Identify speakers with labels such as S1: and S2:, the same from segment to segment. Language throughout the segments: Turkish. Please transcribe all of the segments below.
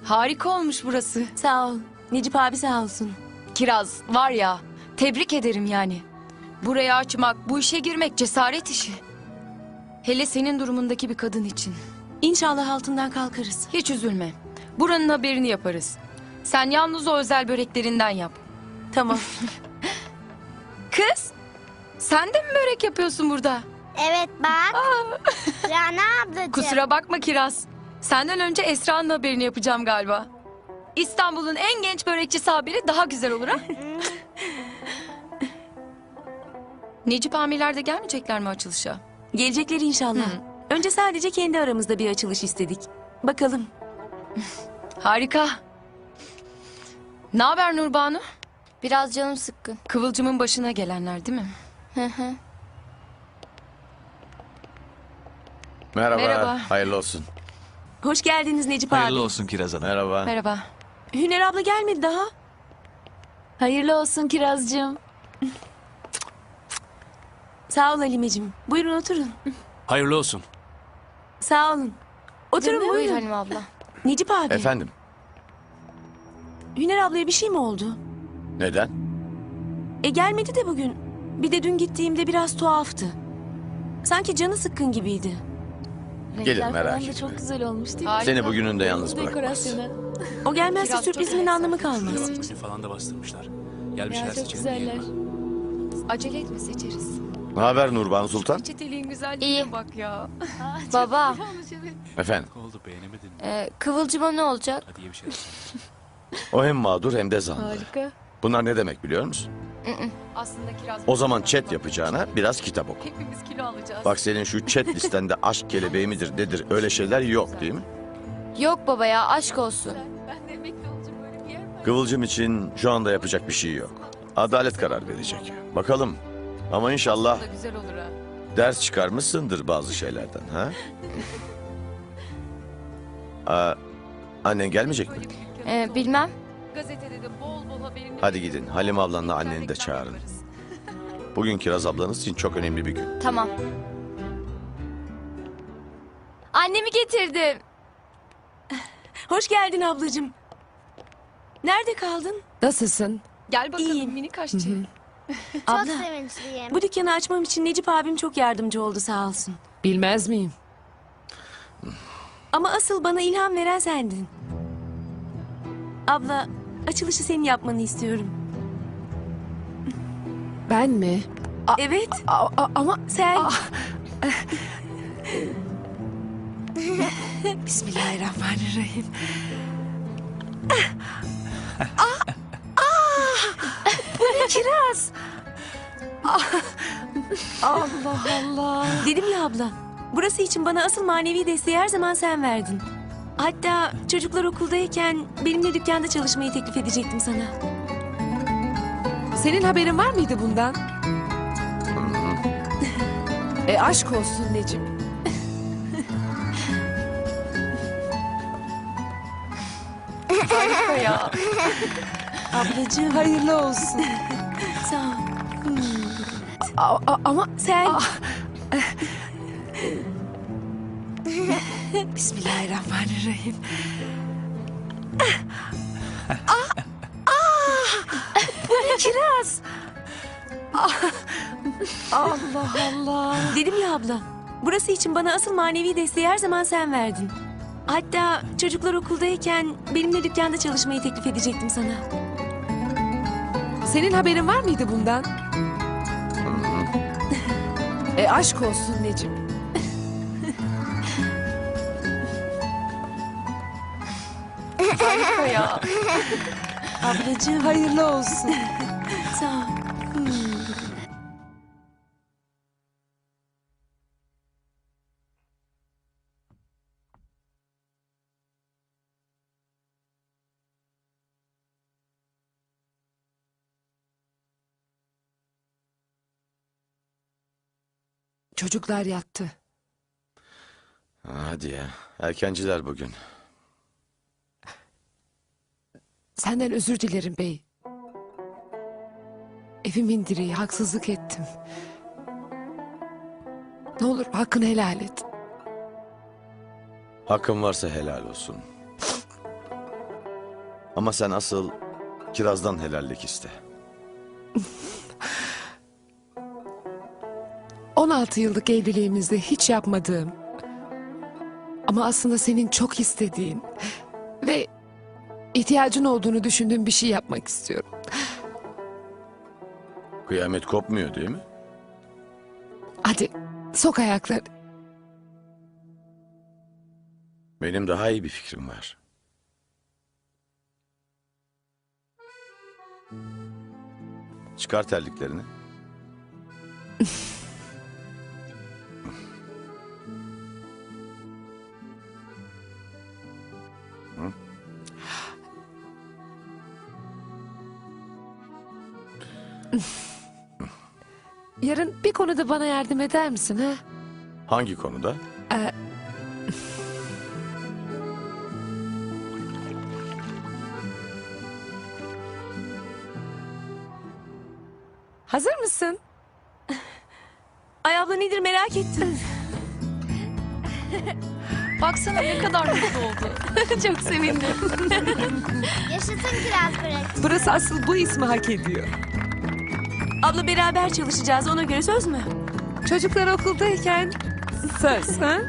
S1: Harika olmuş burası.
S2: Sağ ol. Necip abi sağ olsun.
S1: Kiraz var ya, tebrik ederim yani. Burayı açmak, bu işe girmek cesaret işi. Hele senin durumundaki bir kadın için.
S2: İnşallah altından kalkarız.
S1: Hiç üzülme. Buranın haberini yaparız. Sen yalnız o özel böreklerinden yap.
S2: Tamam.
S1: Kız, sen de mi börek yapıyorsun burada?
S3: Evet bak. Rana ablacığım.
S1: Kusura bakma Kiraz. Senden önce Esra'nın haberini yapacağım galiba. İstanbul'un en genç börekçisi haberi daha güzel olur ha? Necip amirler de gelmeyecekler mi açılışa?
S2: Gelecekler inşallah. Önce sadece kendi aramızda bir açılış istedik. Bakalım.
S1: Harika. Ne haber Nurbanu?
S3: Biraz canım sıkkın.
S1: Kıvılcımın başına gelenler değil mi?
S4: Merhaba.
S1: Merhaba.
S4: Hayırlı olsun.
S2: Hoş geldiniz Necip abi.
S5: Hayırlı olsun Kiraz Hanım.
S4: Merhaba.
S1: Merhaba.
S2: Hüner abla gelmedi daha.
S6: Hayırlı olsun Kirazcığım.
S2: Sağ ol Halimeciğim. Buyurun oturun.
S5: Hayırlı olsun.
S2: Sağ olun. Oturun
S3: Buyur
S2: buyurun.
S3: Halim abla.
S2: Necip abi.
S4: Efendim,
S2: Hüner ablaya bir şey mi oldu?
S4: neden?
S2: Gelmedi de bugün. Bir de dün gittiğimde biraz tuhaftı. Sanki canı sıkkın gibiydi.
S4: Gelir,
S6: Renkler
S4: merak
S6: falan da
S4: etme.
S6: çok güzel olmuş değil mi?
S1: Harika.
S4: Seni bugününde yalnız bırakmaz.
S6: Dekorasyonu.
S2: O gelmezse
S1: Biraz
S2: sürprizimin
S1: çok
S2: anlamı
S1: güzel.
S2: kalmaz.
S5: Menü falan da bastırmışlar. Gelmişler
S6: Ya çok
S5: seçelim
S6: güzeller.
S5: diyelim.
S1: Acele etme seçeriz.
S4: Ne haber Nurbanu Sultan?
S1: Çeteliğin güzelliğine
S3: İyi.
S1: bak ya.
S3: Baba,
S4: Efendim,
S5: Oldu beğenemedin mi?
S3: Kıvılcım'a ne olacak?
S5: Hadi ye bir şey yapsana.
S4: o hem mağdur hem de zanlı.
S6: Harika.
S4: Bunlar ne demek biliyor musun?
S1: Aslında Kiraz...
S4: O zaman chat yapacağına biraz kitap oku.
S1: Hepimiz kilo alacağız.
S4: Bak senin şu chat listende aşk kelebeği midir nedir öyle şeyler yok değil mi?
S3: Yok baba ya, aşk olsun.
S6: Ben de emekli olacağım öyle bir yer mi?
S4: Kıvılcım için şu anda yapacak bir şey yok. Adalet karar verecek. Bakalım. Ama inşallah
S1: Da güzel olur ha.
S4: ders çıkarmışsındır bazı şeylerden ha? Annen gelmeyecek mi?
S1: Böyle bir dükkanımız
S3: Bilmem.
S1: oldu. Gazetede de bol bol haberini...
S4: Hadi gidin. Halim ablanla anneni de
S1: reklam
S4: çağırın.
S1: yaparız.
S4: Bugün Kiraz ablanız için çok önemli bir gün.
S3: Tamam. Annemi getirdim.
S2: Hoş geldin ablacığım. Nerede kaldın?
S6: Nasılsın?
S1: Gel bakalım
S2: İyiyim.
S1: minik aşçı.
S2: Abla,
S3: sevinçliyim.
S2: bu dükkanı açmam için Necip abim çok yardımcı oldu sağ olsun.
S6: Bilmez miyim?
S2: Ama asıl bana ilham veren sendin. Abla, açılışı senin yapmanı istiyorum.
S6: Ben mi?
S2: Evet,
S6: Ama
S2: sen.
S6: Bismillahirrahmanirrahim.
S2: Kiraz.
S6: Allah Allah.
S2: Dedim ya abla, burası için bana asıl manevi desteği her zaman sen verdin. Hatta çocuklar okuldayken benimle dükkanda çalışmayı teklif edecektim sana.
S6: Senin haberin var mıydı bundan? Aşk olsun Necip.
S1: Harika ya.
S2: Ablacığım,
S6: Hayırlı olsun.
S2: sağ ol.
S6: Ama
S2: Sen.
S6: Bismillahirrahmanirrahim.
S2: Kiraz.
S6: Allah Allah.
S2: Dedim ya abla, burası için bana asıl manevi desteği her zaman sen verdin. Hatta çocuklar okuldayken benimle dükkanda çalışmayı teklif edecektim sana.
S6: Senin haberin var mıydı bundan? Aşk olsun Necip.
S1: Harika ya.
S2: Ablacığım,
S6: Hayırlı olsun.
S2: sağ ol.
S6: Çocuklar yattı.
S4: Hadi ya. Erkenciler bugün.
S6: Senden özür dilerim bey. Evimin direği, haksızlık ettim. Ne olur hakkını helal et.
S4: Hakkın varsa helal olsun. Ama sen asıl Kiraz'dan helallik iste.
S6: 16 yıllık evliliğimizde hiç yapmadığım ama aslında senin çok istediğin ve ihtiyacın olduğunu düşündüğüm bir şey yapmak istiyorum.
S4: Kıyamet kopmuyor değil mi?
S6: Hadi sok ayakları.
S4: Benim daha iyi bir fikrim var. Çıkar terliklerini.
S6: Yarın bir konuda bana yardım eder misin ha?
S4: Hangi konuda?
S6: Hazır mısın?
S2: Ay abla nedir merak ettim.
S1: Baksana ne kadar mutlu oldu.
S2: Çok sevindim.
S3: Yaşasın kiraz pratik.
S6: Burası asıl bu ismi hak ediyor.
S2: Abla beraber çalışacağız ona göre söz mü?
S6: Çocuklar okuldayken söz ha?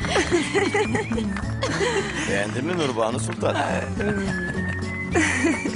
S4: Beğendin mi Nurbanu Sultan?